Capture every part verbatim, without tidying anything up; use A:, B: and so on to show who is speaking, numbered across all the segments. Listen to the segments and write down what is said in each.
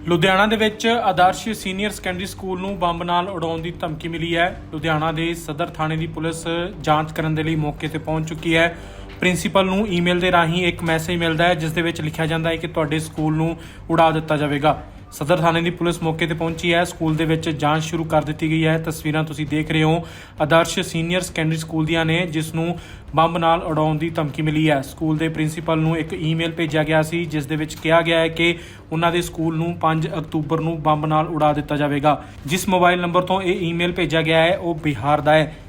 A: ਲੁਧਿਆਣਾ ਦੇ ਵਿੱਚ Adarsh senior secondary school ਨੂੰ ਬੰਬ ਨਾਲ ਉਡਾਉਣ ਦੀ ਧਮਕੀ ਮਿਲੀ ਹੈ। ਲੁਧਿਆਣਾ ਦੇ ਸਦਰ ਥਾਣੇ ਦੀ ਪੁਲਿਸ ਜਾਂਚ ਕਰਨ ਦੇ ਲਈ ਮੌਕੇ ਤੇ ਪਹੁੰਚ ਚੁੱਕੀ ਹੈ। ਪ੍ਰਿੰਸੀਪਲ ਨੂੰ ਈਮੇਲ ਦੇ ਰਾਹੀਂ ਇੱਕ ਮੈਸੇਜ ਮਿਲਦਾ ਹੈ ਜਿਸ ਦੇ ਵਿੱਚ ਲਿਖਿਆ ਜਾਂਦਾ ਹੈ ਕਿ ਤੁਹਾਡੇ ਸਕੂਲ ਨੂੰ ਉਡਾ ਦਿੱਤਾ ਜਾਵੇਗਾ। ਸਦਰ ਥਾਣੇ ਦੀ ਪੁਲਿਸ ਮੌਕੇ ਤੇ ਪਹੁੰਚੀ ਹੈ। ਸਕੂਲ ਦੇ ਵਿੱਚ ਜਾਂਚ ਸ਼ੁਰੂ ਕਰ ਦਿੱਤੀ ਗਈ ਹੈ। ਤਸਵੀਰਾਂ ਤੁਸੀਂ ਦੇਖ ਰਹੇ ਹੋ ਆਦਰਸ਼ ਸੀਨੀਅਰ ਸੈਕੰਡਰੀ ਸਕੂਲ ਦੀਆਂ ਨੇ ਜਿਸ ਨੂੰ ਬੰਬ ਨਾਲ ਉਡਾਉਣ ਦੀ ਧਮਕੀ ਮਿਲੀ ਹੈ। ਸਕੂਲ ਦੇ ਪ੍ਰਿੰਸੀਪਲ ਨੂੰ ਇੱਕ ਈਮੇਲ ਭੇਜਿਆ ਗਿਆ ਸੀ ਜਿਸ ਦੇ ਵਿੱਚ ਕਿਹਾ ਗਿਆ ਹੈ ਕਿ ਉਹਨਾਂ ਦੇ ਸਕੂਲ ਨੂੰ ਪੰਜ ਅਕਤੂਬਰ ਨੂੰ ਬੰਬ ਨਾਲ ਉਡਾ ਦਿੱਤਾ ਜਾਵੇਗਾ। ਜਿਸ ਮੋਬਾਈਲ ਨੰਬਰ ਤੋਂ ਇਹ ਈਮੇਲ ਭੇਜਿਆ ਗਿਆ ਹੈ ਉਹ ਬਿਹਾਰ ਦਾ ਹੈ।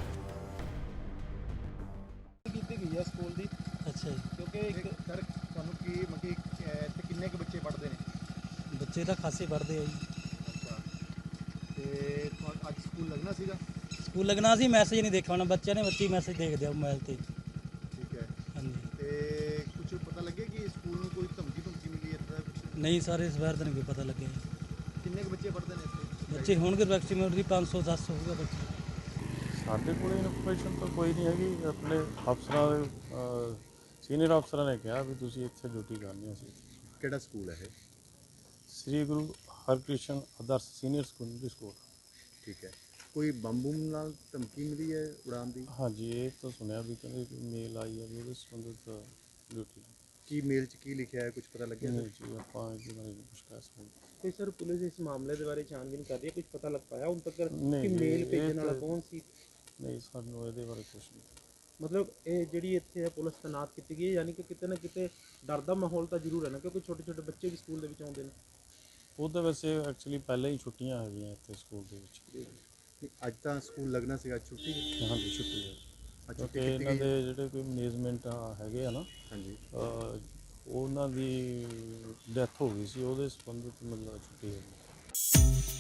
B: ਕੀਤੀ ਗਈ ਹੈ ਸਕੂਲ ਦੀ।
C: ਅੱਛਾ ਜੀ।
B: ਕਿਉਂਕਿ ਇੱਕ ਸਰ ਤੁਹਾਨੂੰ ਕੀ ਮਤਲਬ ਇੱਥੇ ਕਿੰਨੇ ਕੁ ਬੱਚੇ ਪੜ੍ਹਦੇ ਨੇ?
C: ਬੱਚੇ ਤਾਂ ਖਾਸੇ ਪੜ੍ਹਦੇ ਆ ਜੀ।
B: ਅੱਛਾ, ਤੇ ਤੁਹਾ- ਅੱਜ ਸਕੂਲ ਲੱਗਣਾ ਸੀਗਾ?
C: ਸਕੂਲ ਲੱਗਣਾ ਸੀ, ਮੈਸੇਜ ਨਹੀਂ ਦੇਖਿਆ ਹੋਣਾ ਬੱਚਿਆਂ ਨੇ। ਬੱਚੇ ਮੈਸੇਜ ਦੇਖਦੇ ਆ ਮੋਬਾਈਲ ਤੇ।
B: ਠੀਕ ਹੈ।
C: ਹਾਂਜੀ।
B: ਤੇ ਕੁਝ ਪਤਾ ਲੱਗਿਆ ਕਿ ਸਕੂਲ ਨੂੰ ਕੋਈ ਧਮਕੀ ਧਮਕੀ ਮਿਲੀ ਹੈ ਇੱਦਾਂ ਕੁਝ?
C: ਨਹੀਂ ਸਰ, ਇਸ ਵਾਰ ਤਾਂ ਨਹੀਂ ਕੋਈ ਪਤਾ ਲੱਗਿਆ ਜੀ।
B: ਕਿੰਨੇ ਕੁ ਬੱਚੇ ਪੜ੍ਹਦੇ ਨੇ ਇੱਥੇ?
C: ਬੱਚੇ ਹੋਣਗੇ ਮੈਕਸਿਮਮ ਦੀ ਪੰਜ ਸੌ ਦਸ ਹੋਊਗਾ ਬੱਚੇ।
D: ਸਾਡੇ ਕੋਲ ਇਨਫੋਰਮੇਸ਼ਨ ਤਾਂ ਕੋਈ ਨਹੀਂ ਹੈਗੀ। ਆਪਣੇ ਅਫਸਰਾਂ ਦੇ ਸੀਨੀਅਰ ਅਫਸਰਾਂ ਨੇ ਕਿਹਾ ਵੀ ਤੁਸੀਂ ਇੱਥੇ ਡਿਊਟੀ ਕਰਨੀ ਸੀ।
B: ਕਿਹੜਾ ਸਕੂਲ ਹੈ ਇਹ?
D: Sri Guru Harkrishan Adarsh senior secondary school.
B: ਠੀਕ ਹੈ। ਕੋਈ ਬੰਬ ਬੁੰਬ ਨਾਲ ਧਮਕੀ ਮਿਲੀ ਹੈ ਉਡਾਉਣ ਦੀ?
D: ਹਾਂਜੀ, ਇਹ ਤਾਂ ਸੁਣਿਆ ਵੀ ਕਹਿੰਦੇ ਮੇਲ ਆਈ ਹੈ ਵੀ ਉਹਦੇ ਸੰਬੰਧਿਤ ਡਿਊਟੀ
B: ਕੀ ਮੇਲ 'ਚ ਕੀ ਲਿਖਿਆ ਹੈ, ਕੁਝ ਪਤਾ ਲੱਗਿਆ?
D: ਨਹੀਂ ਜੀ, ਆਪਾਂ ਇਹਦੇ ਬਾਰੇ ਨਹੀਂ ਕੁਛ ਕਹਿ ਸਕਦੇ।
E: ਕੋਈ ਸਰ ਪੁਲਿਸ ਇਸ ਮਾਮਲੇ ਦੇ ਬਾਰੇ ਛਾਣਬੀਨ ਕਰ ਰਹੀ ਹੈ, ਕੁਝ ਪਤਾ ਲੱਗ ਪਾਇਆ ਹੁਣ ਤੱਕ
D: ਨਹੀਂ
E: ਕਿ
D: ਜੀ,
E: ਮੇਲ
D: ਇਹ
E: ਭੇਜਣ ਵਾਲਾ
D: ਤਾਂ-
E: ਕੌਣ ਸੀ?
D: ਨਹੀਂ, ਸਾਨੂੰ ਇਹਦੇ ਬਾਰੇ ਕੁਛ ਨਹੀਂ।
E: ਮਤਲਬ ਇਹ ਜਿਹੜੀ ਇੱਥੇ ਹੈ ਪੁਲਿਸ ਤੈਨਾਤ ਕੀਤੀ ਗਈ ਹੈ, ਯਾਨੀ ਕਿ ਕਿਤੇ ਨਾ ਕਿਤੇ ਡਰ ਦਾ ਮਾਹੌਲ ਤਾਂ ਜ਼ਰੂਰ ਹੈ ਨਾ, ਕਿਉਂਕਿ ਛੋਟੇ ਛੋਟੇ ਬੱਚੇ ਵੀ ਸਕੂਲ ਦੇ ਵਿੱਚ ਆਉਂਦੇ ਨੇ।
D: ਉਹ ਤਾਂ ਵੈਸੇ ਐਕਚੁਅਲੀ ਪਹਿਲਾਂ ਹੀ ਛੁੱਟੀਆਂ ਹੈਗੀਆਂ ਇੱਥੇ ਸਕੂਲ ਦੇ ਵਿੱਚ।
B: ਨਹੀਂ, ਅੱਜ ਤਾਂ ਸਕੂਲ ਲੱਗਣਾ ਸੀਗਾ, ਅੱਜ ਛੁੱਟੀ ਹੈ?
D: ਹਾਂਜੀ, ਛੁੱਟੀ ਹੈ।
B: ਅੱਛਾ,
D: ਕਿਉਂਕਿ
B: ਛੁੱਟੀ ਕੀਤੀ
D: ਇਹਨਾਂ
B: ਗਈ ਹੈ?
D: ਦੇ ਜਿਹੜੇ ਕੋਈ ਮੈਨੇਜਮੈਂਟ ਹੈਗੇ ਆ ਨਾ,
B: ਹਾਂਜੀ।
D: ਅਹ ਉਹਨਾਂ ਦੀ ਡੈਥ ਹੋ ਗਈ ਸੀ, ਉਹਦੇ ਸੰਬੰਧਿਤ ਮਤਲਬ ਛੁੱਟੀ ਹੋਈ।